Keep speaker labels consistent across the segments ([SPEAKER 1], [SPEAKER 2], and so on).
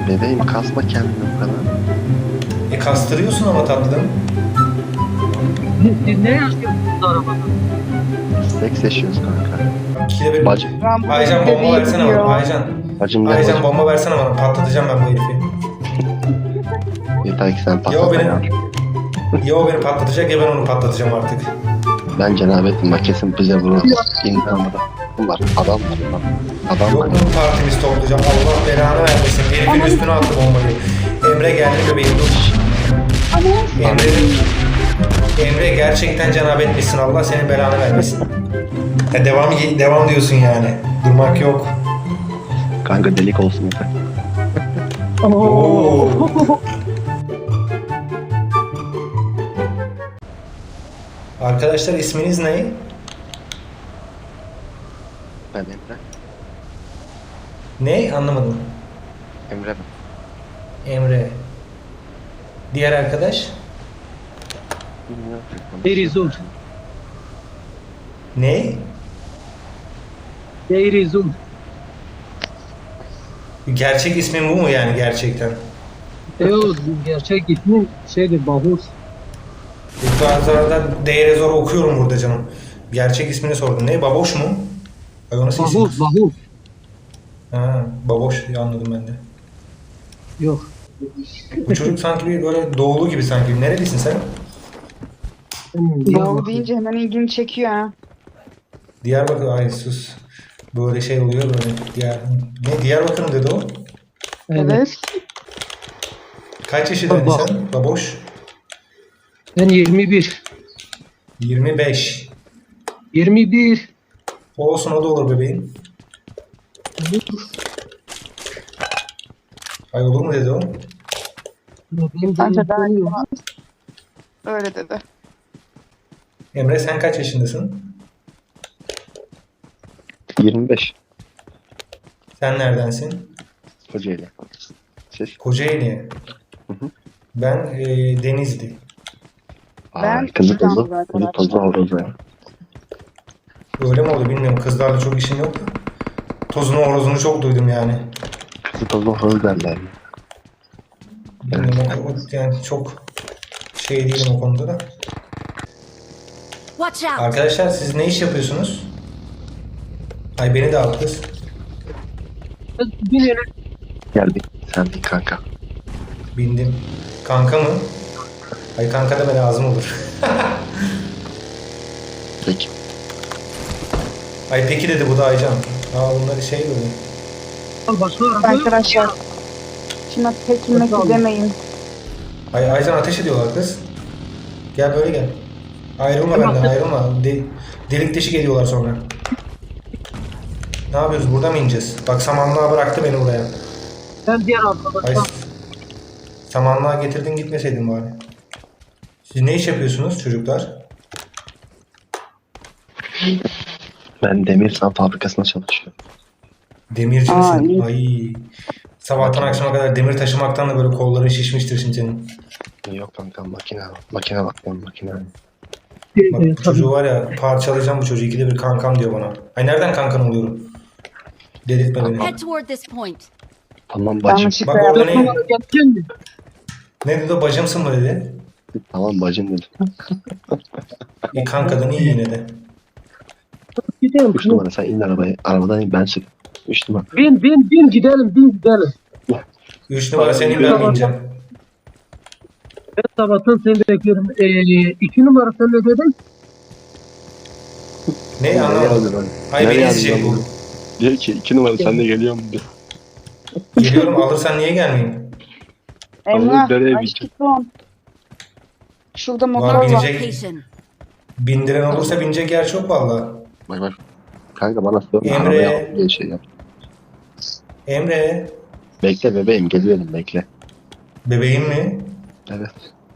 [SPEAKER 1] Bebeğim kasma kendini bu kadar.
[SPEAKER 2] Kastırıyorsun ama tatlım.
[SPEAKER 3] Siz ne yaşıyorsunuz arabada?
[SPEAKER 1] Seks yaşıyoruz kanka.
[SPEAKER 2] İkide bir...
[SPEAKER 1] Bacım.
[SPEAKER 2] Aycan bomba versene bana. Aycan.
[SPEAKER 1] Bacım gel
[SPEAKER 2] Aycan
[SPEAKER 1] bacım.
[SPEAKER 2] bomba versene bana. Patlatacağım ben bu herifi.
[SPEAKER 1] Yeter ki sen
[SPEAKER 2] Ya o
[SPEAKER 1] patlatma ya.
[SPEAKER 2] ya o beni patlatacak ya ben onu patlatacağım artık.
[SPEAKER 1] Ben cenabettim bak kesin bize vurur. İnanmadım. Bunlar adam var lan. Adam
[SPEAKER 2] Yok
[SPEAKER 1] var.
[SPEAKER 2] mu partimiz toplayacağım. Allah belanı vermesin. Herifin üstüne attı bombayı. Emre geldi bebeğim dur. Emre gerçekten cenabetmişsin. Allah senin belanı vermesin. Ya devam diyorsun yani. Durmak yok.
[SPEAKER 1] Kanka delik olsun yeter.
[SPEAKER 2] Oo. Arkadaşlar isminiz ne?
[SPEAKER 1] Ben Emre.
[SPEAKER 2] Ne? Anlamadım.
[SPEAKER 1] Emre ben.
[SPEAKER 2] Emre. Diğer arkadaş?
[SPEAKER 3] Deirizum.
[SPEAKER 2] Ne?
[SPEAKER 3] Deirizum.
[SPEAKER 2] Gerçek ismin bu mu yani gerçekten?
[SPEAKER 3] Evet, gerçek ismi şeydir, Bahus.
[SPEAKER 2] Zaten değere zor okuyorum burada canım. Gerçek ismini sordum. Ne? Baboş mu? Ay o nasıl isim?
[SPEAKER 3] Bahus, Bahus.
[SPEAKER 2] Ha, baboş diye anladım ben de.
[SPEAKER 3] Yok.
[SPEAKER 2] Bu çocuk sanki bir böyle doğulu gibi sanki. Nerelisin sen?
[SPEAKER 4] Doğru deyince hemen ilgimi çekiyor ha.
[SPEAKER 2] Diyarbakır. Ay sus. Böyle şey oluyor böyle. Diyarbakır mı dedi o?
[SPEAKER 4] Evet.
[SPEAKER 2] Kaç yaşındaydın
[SPEAKER 3] Baba.
[SPEAKER 2] sen? Baboş.
[SPEAKER 3] Ben 21.
[SPEAKER 2] 25.
[SPEAKER 3] 21.
[SPEAKER 2] Olsun o da olur bebeğim. Ay olur mu dedi o?
[SPEAKER 3] Benim
[SPEAKER 4] Bence daha iyi
[SPEAKER 3] canım
[SPEAKER 4] olmaz. Öyle dedi.
[SPEAKER 2] Emre sen kaç yaşındasın?
[SPEAKER 1] 25.
[SPEAKER 2] Sen neredensin?
[SPEAKER 1] Kocaeli. Siz?
[SPEAKER 2] Kocaeli.
[SPEAKER 1] hı.
[SPEAKER 2] Ben Denizli.
[SPEAKER 4] Ben
[SPEAKER 1] Kızı tozu.
[SPEAKER 4] İstanbul'da
[SPEAKER 1] Kızı tozu horozu ya.
[SPEAKER 2] Öyle mi oldu bilmiyorum. Kızlarla çok işim yok. Tozunu horozunu çok duydum yani.
[SPEAKER 1] Kızı tozu horoz derler.
[SPEAKER 2] Bilmiyorum, yani çok şey değilim o konuda da.
[SPEAKER 5] Watch out!
[SPEAKER 2] Arkadaşlar siz ne iş yapıyorsunuz? Ay beni de al kız.
[SPEAKER 3] Bir yere
[SPEAKER 1] Geldik. Sen değil kanka.
[SPEAKER 2] Bindim. Kanka mı? Ay kanka deme lazım olur.
[SPEAKER 1] Peki.
[SPEAKER 2] Ay peki dedi bu da Aycan. Bunları şey böyle.
[SPEAKER 3] al başka araba yok.
[SPEAKER 4] Arkadaşlar. Şimdi pekilmek demeyin.
[SPEAKER 2] Ay Aycan ateş ediyorlar kız. Gel böyle gel. Ayrılma benden ayrılma. Delik deşik ediyorlar sonra. Ne yapıyoruz? Burada mı ineceğiz? Bak samanlığa bıraktı beni buraya.
[SPEAKER 3] Ben diğer
[SPEAKER 2] Ay
[SPEAKER 3] arkadaşlar.
[SPEAKER 2] samanlığa getirdin gitmeseydin bari. Siz ne iş yapıyorsunuz çocuklar?
[SPEAKER 1] Ben demir san fabrikasında çalışıyorum.
[SPEAKER 2] Demirci
[SPEAKER 4] Aa,
[SPEAKER 2] misin?
[SPEAKER 4] iyi.
[SPEAKER 2] Ay. Sabahtan akşama kadar demir taşımaktan da böyle kolların şişmiştir şimdi senin.
[SPEAKER 1] Yok kanka makine. Makine bak ben makine.
[SPEAKER 2] Bak bu çocuğu var ya parçalayacağım bu çocuğu. İkide bir kankam diyor bana. Ay nereden kankan oluyorum? Delirtme beni.
[SPEAKER 5] Head toward this point.
[SPEAKER 1] Tamam bacım.
[SPEAKER 4] Yanlışlıkla
[SPEAKER 2] Bak orada
[SPEAKER 4] yaptım.
[SPEAKER 2] ne?
[SPEAKER 3] Geleceğim mi?
[SPEAKER 2] Ne dedi o bacımsın mı dedi.
[SPEAKER 1] Tamam bacım dedim.
[SPEAKER 2] Kankadan iyi yine de.
[SPEAKER 3] Gidelim.
[SPEAKER 1] 3 numara sen in arabaya. Arabadan in ben sür. 3 numara.
[SPEAKER 3] Bin gidelim, bin gidelim.
[SPEAKER 2] 3 numara senin ben mi ineceğim?
[SPEAKER 3] Ben sabahtan seni bekliyorum. 2 numara sen ne dedin?
[SPEAKER 2] Ne anlamadım. Ay beni ezecek bu.
[SPEAKER 1] Diyor ki 2 numara sen de geliyor mu diyor.
[SPEAKER 2] Geliyorum alırsan niye gelmeyeyim?
[SPEAKER 4] Emrah.
[SPEAKER 1] nereye
[SPEAKER 4] Aşkım. Şurada
[SPEAKER 2] Var
[SPEAKER 4] motor var.
[SPEAKER 2] binecek.
[SPEAKER 5] Location.
[SPEAKER 2] Bindiren olursa binecek yer çok valla.
[SPEAKER 1] Bak bak. Kanka bana sorma
[SPEAKER 2] Emre.
[SPEAKER 1] arabaya al diye şey yap.
[SPEAKER 2] Emre.
[SPEAKER 1] Bekle bebeğim geliyorum bekle.
[SPEAKER 2] Bebeğim mi?
[SPEAKER 1] Evet.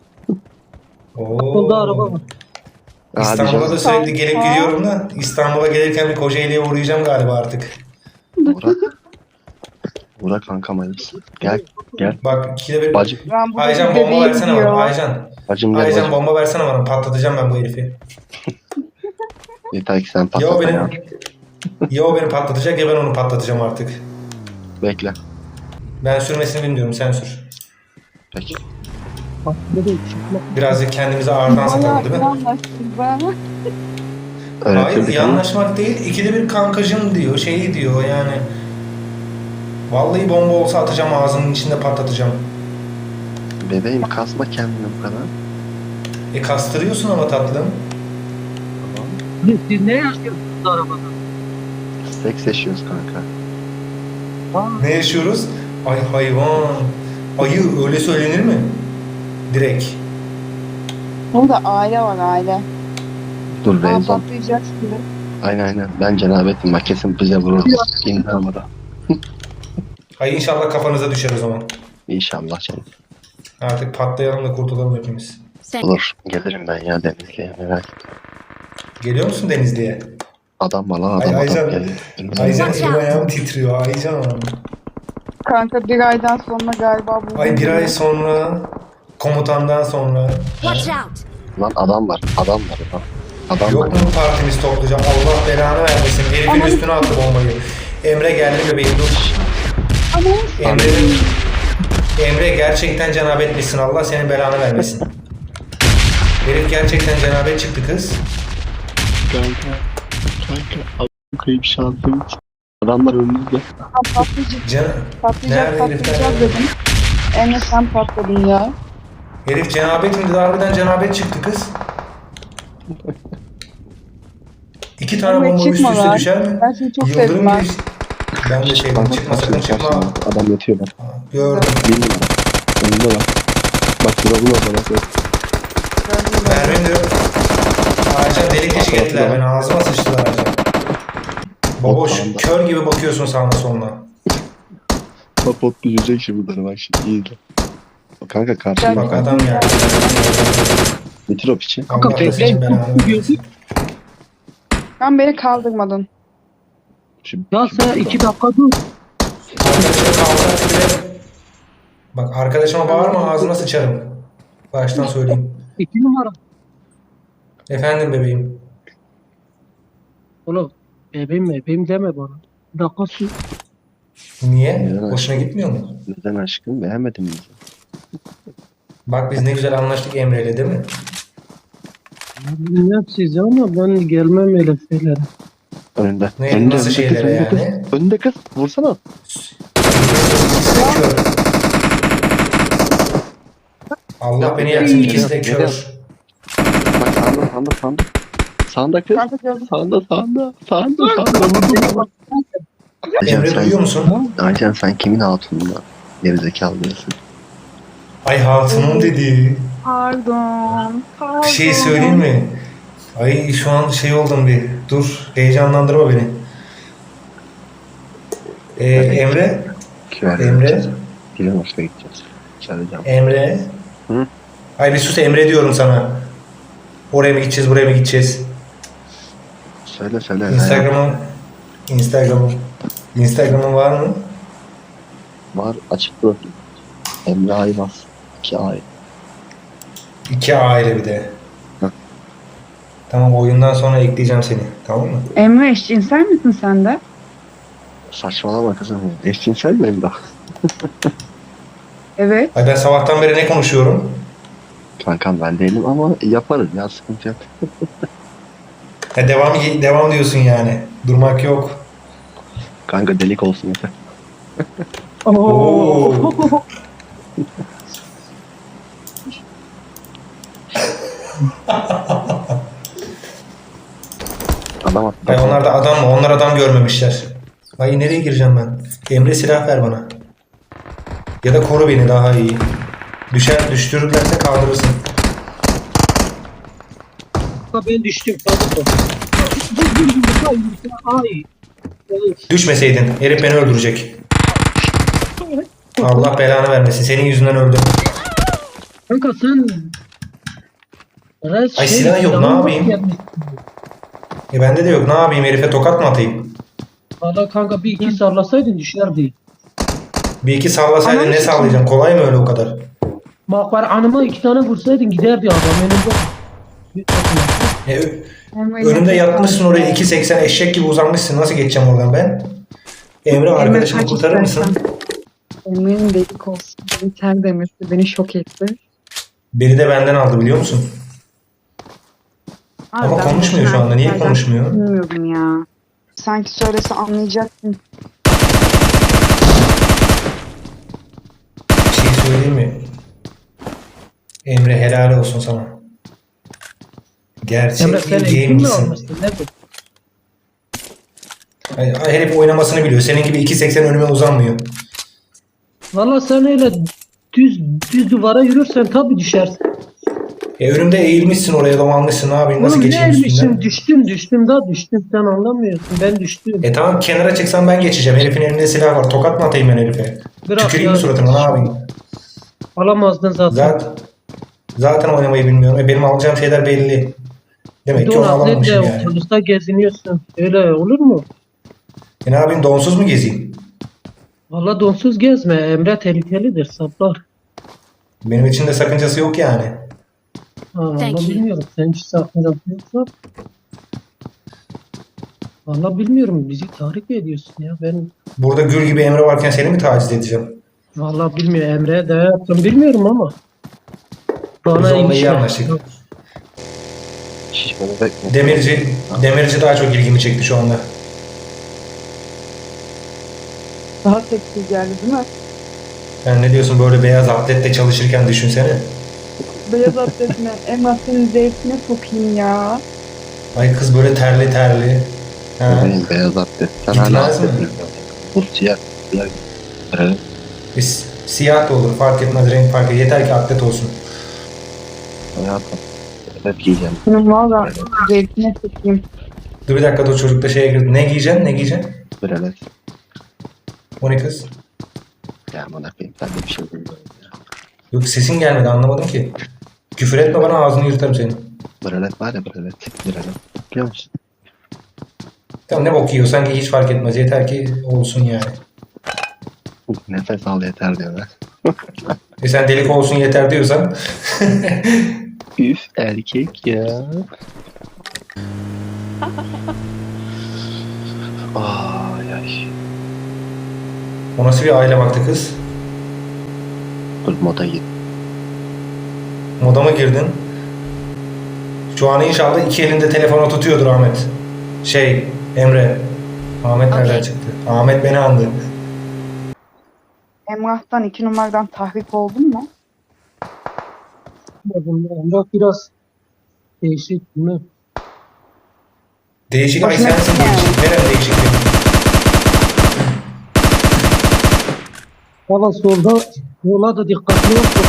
[SPEAKER 2] Oo.
[SPEAKER 3] Solda araba var.
[SPEAKER 2] İstanbul'a da
[SPEAKER 1] Hadi
[SPEAKER 2] sürekli gelip gidiyorum da İstanbul'a gelirken bir Kocaeli'ye uğrayacağım galiba artık.
[SPEAKER 1] Burak. Burak kankam hayırlısı. Gel gel.
[SPEAKER 2] Bak ikide bir...
[SPEAKER 1] Bacım.
[SPEAKER 4] Ben burada
[SPEAKER 2] Aycan
[SPEAKER 4] bir
[SPEAKER 2] bomba
[SPEAKER 4] bebeğim
[SPEAKER 2] versene bana.
[SPEAKER 4] diyor.
[SPEAKER 2] Aycan.
[SPEAKER 1] Bacım gel
[SPEAKER 2] Aycan
[SPEAKER 1] bacım.
[SPEAKER 2] bomba versene bana. Patlatacağım ben bu herifi.
[SPEAKER 1] Yeter ki sen
[SPEAKER 2] Ya o
[SPEAKER 1] patlatma ya.
[SPEAKER 2] beni, ya o beni patlatacak ya ben onu patlatacağım artık.
[SPEAKER 1] Bekle.
[SPEAKER 2] Ben sürmesini bilmiyorum, sen sür.
[SPEAKER 1] Peki.
[SPEAKER 3] Bak ne de çıkmak.
[SPEAKER 2] Birazcık kendimize ağırdan satalım değil mi?
[SPEAKER 4] Yanlaştık bana.
[SPEAKER 2] Hayır,
[SPEAKER 1] Öğretildik
[SPEAKER 2] iyi
[SPEAKER 1] ama
[SPEAKER 2] anlaşmak değil. İkide bir kankacım diyor, şeyi diyor yani. Vallahi bomba olsa atacağım, ağzının içinde patlatacağım.
[SPEAKER 1] bebeğim kasma kendini bu kadar.
[SPEAKER 2] Kastırıyorsun ama tatlım.
[SPEAKER 3] Siz ne yaşıyorsunuz arabada?
[SPEAKER 1] Seks yaşıyoruz kanka.
[SPEAKER 2] Ne yaşıyoruz? Ay hayvan. Ayı öyle söylenir mi? Direkt.
[SPEAKER 4] Burada aile var aile.
[SPEAKER 1] Dur
[SPEAKER 4] Aa,
[SPEAKER 1] Rezon.
[SPEAKER 4] patlayacak şimdi.
[SPEAKER 1] Aynen. Ben cenabettim. Bak kesin bize vurur. İndi arabada.
[SPEAKER 2] Ay inşallah kafanıza düşer o zaman.
[SPEAKER 1] İnşallah canım.
[SPEAKER 2] Artık patlayalım da kurtulalım hepimiz.
[SPEAKER 1] Olur. Gelirim ben ya Denizli'ye merak etme.
[SPEAKER 2] Geliyor musun Denizli'ye?
[SPEAKER 1] Adam var lan
[SPEAKER 2] Ay,
[SPEAKER 1] adam
[SPEAKER 2] Aycan.
[SPEAKER 1] geliyor.
[SPEAKER 2] Aycan elim ayağım titriyor Aycan.
[SPEAKER 4] Kanka bir aydan sonra galiba bu.
[SPEAKER 2] Ay bir ay sonra komutandan sonra.
[SPEAKER 5] Watch out!
[SPEAKER 1] Lan adam var. Adam var. Adam
[SPEAKER 2] Yok
[SPEAKER 1] var.
[SPEAKER 2] mu partimiz toplayacağım? Allah belanı vermesin. Herifin
[SPEAKER 4] Aman.
[SPEAKER 2] üstüne attı bombayı. Emre geldi bebeğim dur.
[SPEAKER 4] Ama
[SPEAKER 2] Emre gerçekten cenabet etmişsin. Allah senin belanı vermesin. Herif gerçekten cenabet çıktı kız.
[SPEAKER 1] Kanka. Kayıp şansım. Adamlar önümüzde.
[SPEAKER 4] patlayacak,
[SPEAKER 2] Can
[SPEAKER 4] patlayacak,
[SPEAKER 2] Nerede
[SPEAKER 4] patlayacak
[SPEAKER 2] herifler?
[SPEAKER 4] dedim. Emre sen patladın ya.
[SPEAKER 2] Herif cenabet mi dedi? Harbiden cenabet çıktı kız. İki tane
[SPEAKER 4] Emre
[SPEAKER 2] bomba üst
[SPEAKER 4] çıkma
[SPEAKER 2] üste
[SPEAKER 4] lan.
[SPEAKER 2] düşer mi?
[SPEAKER 4] Ben seni çok
[SPEAKER 2] Yıldırım
[SPEAKER 4] sevdim ben.
[SPEAKER 2] gibi. Ben de sevdim. Çıkma sakın çıkma.
[SPEAKER 1] Adam yatıyor bak.
[SPEAKER 2] Gördüm.
[SPEAKER 1] Bir numara. Önünde bak. Bak duralım orada bak.
[SPEAKER 2] Mervin diyor. Aycan delik deşik ettiler beni. Ağzıma sıçtılar Aycan. Baboş
[SPEAKER 1] Sağında.
[SPEAKER 2] kör gibi bakıyorsun sağına soluna.
[SPEAKER 1] Pot düşecek şimdi bunları bak şimdi iyi de. Kanka karşıya
[SPEAKER 2] Bak
[SPEAKER 1] bak.
[SPEAKER 2] adam geldi.
[SPEAKER 1] Bitir o piçi.
[SPEAKER 2] Allah
[SPEAKER 3] Kanka
[SPEAKER 2] da senin belanı vermesin.
[SPEAKER 3] bekleyin.
[SPEAKER 4] Sen beni kaldırmadın.
[SPEAKER 1] Şimdi,
[SPEAKER 3] Ya sen 2 dakika dur.
[SPEAKER 2] Arkadaşım kavga bile. Bak arkadaşıma bağırma ağzına sıçarım. Baştan söyleyeyim.
[SPEAKER 3] 2 numara.
[SPEAKER 2] Efendim bebeğim.
[SPEAKER 3] Oğlum bebeğim deme bana. Bir dakika sus.
[SPEAKER 2] Niye?
[SPEAKER 1] Neden
[SPEAKER 2] Hoşuna
[SPEAKER 1] aşkım?
[SPEAKER 2] gitmiyor mu?
[SPEAKER 1] Neden aşkım? Beğenmedin mi bizi?
[SPEAKER 2] Bak biz ne güzel anlaştık Emre'yle değil mi?
[SPEAKER 3] Bilmem siz ama ben gelmem öyle şeylere.
[SPEAKER 1] Önünde.
[SPEAKER 2] Ne,
[SPEAKER 1] Önünde,
[SPEAKER 2] nasıl
[SPEAKER 1] önünde
[SPEAKER 2] şeylere
[SPEAKER 1] kız,
[SPEAKER 2] yani?
[SPEAKER 1] Önünde kız. Vursana.
[SPEAKER 2] İkisi de kör. Allah beni yaksın ikisi de kör.
[SPEAKER 1] Bak sağında. Sağında kız.
[SPEAKER 4] Kanka gördüm.
[SPEAKER 1] Sağında. Vurdum.
[SPEAKER 2] Emre duyuyor musun?
[SPEAKER 1] Aycan sen kimin hatununda? Gerizekalı diyorsun.
[SPEAKER 2] Ay hatunum dedi.
[SPEAKER 4] Pardon.
[SPEAKER 2] Bir şey söyleyeyim mi? Ay şu an şey oldum bir. Dur heyecanlandırma beni. Emre. Emre.
[SPEAKER 1] Dilin hoşuna gideceğiz. Çağıracağım.
[SPEAKER 2] Emre.
[SPEAKER 1] Hı?
[SPEAKER 2] Ay bir sus Emre diyorum sana. Oraya mı gideceğiz buraya mı gideceğiz?
[SPEAKER 1] Söyle.
[SPEAKER 2] Instagram'ın var mı?
[SPEAKER 1] Var açık profil. Emre Aymaz. 2 ay.
[SPEAKER 2] 2 aile bir de.
[SPEAKER 1] Hı.
[SPEAKER 2] Tamam oyundan sonra ekleyeceğim seni. Tamam mı?
[SPEAKER 4] Emre eşcinsel misin sen de?
[SPEAKER 1] Saçmalama kızım. Eşcinsel mi Emre?
[SPEAKER 4] Evet.
[SPEAKER 2] Ay ben sabahtan beri ne konuşuyorum?
[SPEAKER 1] Kankam ben değilim ama yaparız ya sıkıntı yok.
[SPEAKER 2] Ya devam diyorsun yani. Durmak yok.
[SPEAKER 1] Kanka delik olsun yeter.
[SPEAKER 2] Oo.
[SPEAKER 1] Adam attı.
[SPEAKER 2] Ay onlar da adam mı? Onlar adam görmemişler. Ay nereye gireceğim ben? Emre silah ver bana. Ya da koru beni daha iyi. Düşürürlerse kaldırırsın.
[SPEAKER 3] Kanka ben düştüm. Çabuk ol. Ay.
[SPEAKER 2] Düşmeseydin herif beni öldürecek. Allah belanı vermesin. Senin yüzünden öldüm.
[SPEAKER 3] Kanka sen...
[SPEAKER 2] Ay, silah yok, ne yapayım? Bende de yok. Ne yapayım? Herife tokat mı atayım?
[SPEAKER 3] Valla kanka bir iki sallasaydın düşerdi.
[SPEAKER 2] Bir iki sallasaydın
[SPEAKER 4] Anam
[SPEAKER 2] ne
[SPEAKER 4] için.
[SPEAKER 2] sallayacağım? Kolay mı öyle o kadar?
[SPEAKER 3] Bak var anıma 2 tane vursaydın giderdi adam önümde.
[SPEAKER 2] Önümde yatmışsın oraya 2.80 eşek gibi uzanmışsın. Nasıl geçeceğim oradan ben? Emre arkadaşımı
[SPEAKER 4] kaç
[SPEAKER 2] kurtarır mısın?
[SPEAKER 4] istersen. Emre'nin delik olsun. Biter demesi beni şok etti.
[SPEAKER 2] Biri de benden aldı biliyor musun?
[SPEAKER 4] Abi
[SPEAKER 2] Ama
[SPEAKER 4] ben
[SPEAKER 2] konuşmuyor şu anda. Niye
[SPEAKER 4] erkeklerden
[SPEAKER 2] konuşmuyor?
[SPEAKER 4] Bilmiyorum ya. Sanki söylese anlayacaktım.
[SPEAKER 2] Bir şey söyleyeyim mi? Emre helal olsun sana. Gerçek
[SPEAKER 3] Emre sen
[SPEAKER 2] bir
[SPEAKER 3] eğitim mi
[SPEAKER 2] gamer'sın.
[SPEAKER 3] almışsın? Nedir?
[SPEAKER 2] Herif oynamasını biliyor. Senin gibi 2.80 önüme uzanmıyor.
[SPEAKER 3] Valla sen öyle düz duvara yürürsen tabii düşersin.
[SPEAKER 2] Önümde eğilmişsin oraya domalmışsın. Ne yapayım? Nasıl
[SPEAKER 3] Oğlum ne
[SPEAKER 2] geçeyim üstünden?
[SPEAKER 3] düştüm daha düştüm. Sen anlamıyorsun. Ben düştüm.
[SPEAKER 2] Tamam kenara çıksam ben geçeceğim. Herifin elinde silah var. Tokat mı atayım ben herife?
[SPEAKER 3] Bırak
[SPEAKER 2] Tüküreyim
[SPEAKER 3] ya.
[SPEAKER 2] mi suratına? Ne yapayım?
[SPEAKER 3] Alamazdın zaten.
[SPEAKER 2] Zaten oynamayı bilmiyorum. Benim alacağım şeyler belli. Demek ki onu
[SPEAKER 3] Don
[SPEAKER 2] alamamışım
[SPEAKER 3] atletle
[SPEAKER 2] yani.
[SPEAKER 3] otobüste geziniyorsun. Öyle olur mu?
[SPEAKER 2] Ne yapayım? Donsuz mu gezeyim?
[SPEAKER 3] Valla donsuz gezme. Emre tehlikelidir. Saplar.
[SPEAKER 2] Benim için de sakıncası yok yani.
[SPEAKER 3] Valla
[SPEAKER 5] Thank you.
[SPEAKER 3] bilmiyorum. Sen hiç sakıncası yoksa. Valla bilmiyorum. Bizi tahrik ediyorsun ya. Ben
[SPEAKER 2] Burada gül gibi Emre varken seni mi taciz edeceğim?
[SPEAKER 3] valla bilmiyorum. Emre'ye de yaptım. Bilmiyorum ama.
[SPEAKER 2] Biz
[SPEAKER 3] Bana
[SPEAKER 2] onunla iyi
[SPEAKER 3] ilişki-
[SPEAKER 2] anlaştık.
[SPEAKER 1] Şişmanı bekle.
[SPEAKER 2] Demirci daha çok ilgimi çekti şu anda.
[SPEAKER 4] Daha seksi geldi değil mi?
[SPEAKER 2] Sen ne diyorsun böyle beyaz atletle çalışırken düşünsene.
[SPEAKER 4] Beyaz atletine, Emrah senin zevkine sokayım ya.
[SPEAKER 2] Ay kız böyle terli terli. Ha.
[SPEAKER 1] Benim beyaz atlet. Sen
[SPEAKER 2] Gitmez
[SPEAKER 1] hala
[SPEAKER 2] mi?
[SPEAKER 1] atlet bilmiyorsun. Bu siyah. Siyah. Evet.
[SPEAKER 2] Siyah da olur fark etmez renk fark etmez. Yeter ki atlet olsun.
[SPEAKER 1] Hayatım. Hep giyeceğim.
[SPEAKER 4] Senin valla zevkine sokayım.
[SPEAKER 2] Dur bir dakika dur çocuk da şeye girdi. Ne giyeceksin ne giyeceksin?
[SPEAKER 1] Böyle.
[SPEAKER 2] O ne kız?
[SPEAKER 1] Ya bana koyayım. Ben de bir şey bilmiyorum ya.
[SPEAKER 2] Yok sesin gelmedi anlamadım ki. Küfür etme bana ağzını yırtarım senin.
[SPEAKER 1] Bralet var ya bralet. Bralet. Biliyor musun?
[SPEAKER 2] Tamam ne bok yiyorsan giy hiç fark etmez. Yeter ki olsun yani.
[SPEAKER 1] Nefes al yeter diyorlar.
[SPEAKER 2] Sen delik olsun yeter diyorsan.
[SPEAKER 1] Üf erkek ya. Ay ay.
[SPEAKER 2] O nasıl bir aile baktı kız?
[SPEAKER 1] Dur moda git.
[SPEAKER 2] Moda mı girdin? Şu an inşallah iki elinde telefonu tutuyordur Ahmet. Emre. Ahmet nereden
[SPEAKER 5] Okey.
[SPEAKER 2] çıktı? Ahmet beni andı.
[SPEAKER 4] Emrah'tan 2 numaradan tahrik oldun mu?
[SPEAKER 3] Emre biraz değişik değil mi?
[SPEAKER 2] Değişik ay
[SPEAKER 4] Hoşuna
[SPEAKER 2] sensin
[SPEAKER 4] gitti yani.
[SPEAKER 2] değişik. Nerem değişik benim?
[SPEAKER 3] Valla solda yola da dikkatli olsun.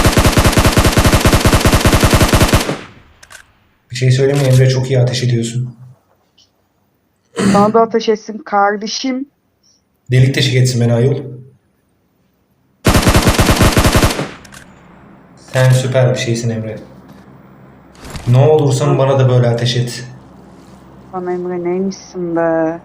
[SPEAKER 2] Bir şey söyleyeyim mi Emre çok iyi ateş ediyorsun.
[SPEAKER 4] Bana da ateş etsin kardeşim.
[SPEAKER 2] Delik teşik etsin beni ayol. Sen süper bir şeysin Emre. Ne olursan bana da böyle ateş et.
[SPEAKER 4] Bana Emre neymişsin be?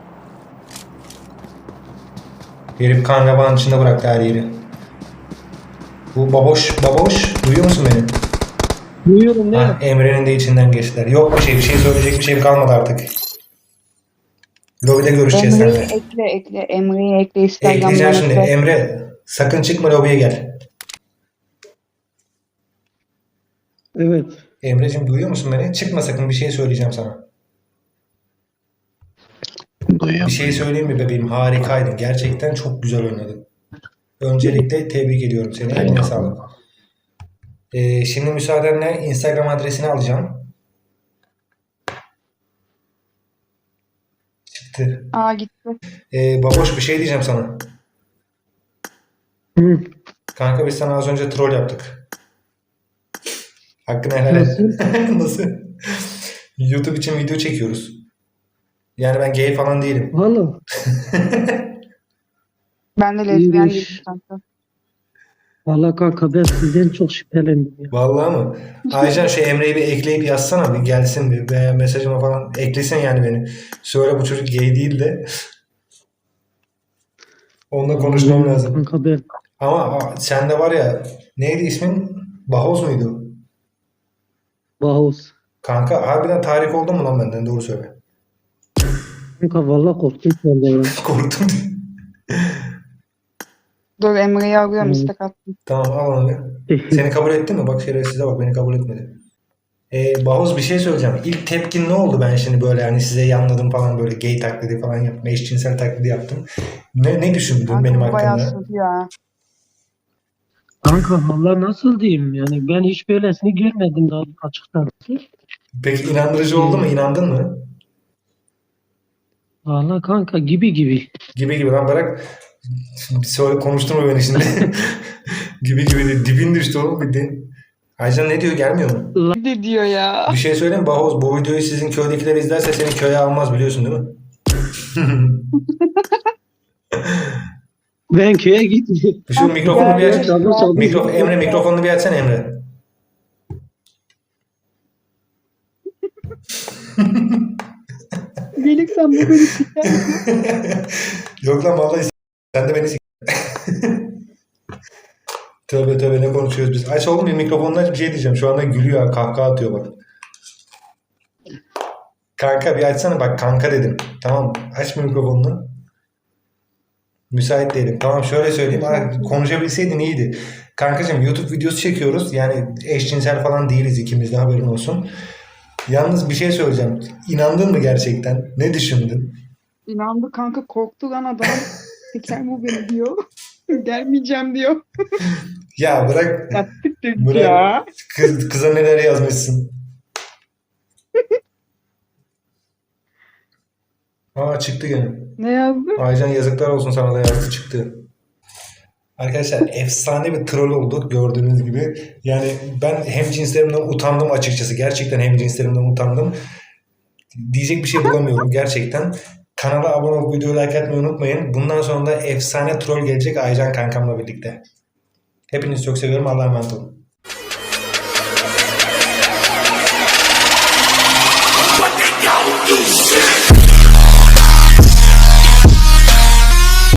[SPEAKER 2] Herif kan revanın içinde bıraktı her yeri. Bu baboş duyuyor musun beni?
[SPEAKER 3] Duyuyorum ne?
[SPEAKER 2] Ha, Emre'nin de içinden geçtiler. Yok bir şey söyleyecek bir şeyim kalmadı artık. Lobide görüşeceğiz
[SPEAKER 4] Emre'yi
[SPEAKER 2] seninle.
[SPEAKER 4] ekle. Emre'yi ekle Instagram'dan
[SPEAKER 2] Ekleyeceğim şimdi.
[SPEAKER 4] ekle.
[SPEAKER 2] Emre sakın çıkma lobiye gel.
[SPEAKER 3] Evet.
[SPEAKER 2] Emre'cim duyuyor musun beni? Çıkma sakın bir şey söyleyeceğim sana.
[SPEAKER 1] Duyuyor
[SPEAKER 2] Bir şey söyleyeyim mi bebeğim? Harikaydın. Gerçekten çok güzel oynadın. Öncelikle tebrik ediyorum seni. Eline
[SPEAKER 1] Eyvallah.
[SPEAKER 2] sağlık. Şimdi müsaadenle Instagram adresini alacağım. Çıktı.
[SPEAKER 4] Aa gitti.
[SPEAKER 2] Baboş bir şey diyeceğim sana.
[SPEAKER 3] Hı.
[SPEAKER 2] Kanka biz sana az önce troll yaptık. Hakkını helal et.
[SPEAKER 3] Nasıl?
[SPEAKER 2] Nasıl? YouTube için video çekiyoruz. Yani ben gay falan değilim.
[SPEAKER 3] Valla.
[SPEAKER 4] Ben de lezbiyen
[SPEAKER 3] İyiymiş.
[SPEAKER 4] değilim kanka.
[SPEAKER 3] Valla kanka ben sizden çok şüphelendim ya.
[SPEAKER 2] Vallahi mı? Aycan şu Emre'yi bir ekleyip yazsana bir gelsin bir veya mesajıma falan eklesin yani beni. Söyle bu çocuk gay değil de. Onunla konuşmam lazım.
[SPEAKER 3] Kanka ben
[SPEAKER 2] Ama sende var ya neydi ismin? Bahoz muydu?
[SPEAKER 3] Bahus.
[SPEAKER 2] Kanka harbiden tahrik oldun mu lan benden doğru söyle.
[SPEAKER 3] Kanka valla korktum senden ya.
[SPEAKER 2] Korktum.
[SPEAKER 4] Dur Emre'yi alıyorum
[SPEAKER 3] Hmm.
[SPEAKER 4] istek attım.
[SPEAKER 2] Tamam al onu bir. Seni kabul etti mi? Bak şerefsize bak beni kabul etmedi. Bahuz bir şey söyleyeceğim. İlk tepkin ne oldu ben şimdi böyle hani size yanladım falan böyle gay taklidi falan yaptım. Eşcinsel taklidi yaptım. Ne düşündün
[SPEAKER 4] Kanka
[SPEAKER 2] benim
[SPEAKER 4] bu bayağı
[SPEAKER 2] hakkımda?
[SPEAKER 4] sıkıntı ya.
[SPEAKER 3] Kanka valla nasıl diyeyim yani ben hiç böylesini görmedim daha açıkçası.
[SPEAKER 2] Peki inandırıcı oldu mu? İnandın mı?
[SPEAKER 3] Valla kanka gibi.
[SPEAKER 2] Gibi lan bırak. Şimdi söyle konuşturma beni şimdi. gibi de dibin düştü oğlum bildiğin. Aycan ne diyor gelmiyor mu?
[SPEAKER 4] Ne diyor ya?
[SPEAKER 2] Bir şey söyleyeyim mi Bahoz? Bu videoyu sizin köydekiler izlerse seni köye almaz biliyorsun değil mi?
[SPEAKER 3] Ben köye gittim.
[SPEAKER 2] Şu mikrofonu bir aç.
[SPEAKER 3] Çaldı.
[SPEAKER 2] Emre mikrofonunu bir açsana Emre.
[SPEAKER 4] Gelirsen bu beni siker.
[SPEAKER 2] Yok lan vallahi sen de beni Tövbe ne konuşuyoruz biz. Aç oğlum bir mikrofonunu aç bir şey diyeceğim. Şu anda gülüyor ha, kahkaha atıyor bak. Kanka bir açsana bak kanka dedim. Tamam aç mikrofonunu. Müsait değilim. Tamam şöyle söyleyeyim. Konuşabilseydin iyiydi. Kankacığım YouTube videosu çekiyoruz. Yani eşcinsel falan değiliz ikimiz de haberin olsun. Yalnız bir şey söyleyeceğim. İnandın mı gerçekten? Ne düşündün?
[SPEAKER 4] İnandı kanka korktu lan adam. Siker bu beni diyor. Gelmeyeceğim diyor.
[SPEAKER 2] Ya bırak.
[SPEAKER 4] Yattık dedik
[SPEAKER 2] Bırak.
[SPEAKER 4] ya.
[SPEAKER 2] Kıza neler yazmışsın. Aa çıktı gene.
[SPEAKER 4] Ne yazdı?
[SPEAKER 2] Aycan yazıklar olsun sana da yazdı çıktı. Arkadaşlar efsane bir troll olduk gördüğünüz gibi. Yani ben hemcinslerimden utandım açıkçası. Gerçekten hemcinslerimden utandım. Diyecek bir şey bulamıyorum gerçekten. Kanala abone olup videoyu like atmayı unutmayın. Bundan sonra da efsane troll gelecek Aycan kankamla birlikte. Hepinizi çok seviyorum. Allah'a emanet olun.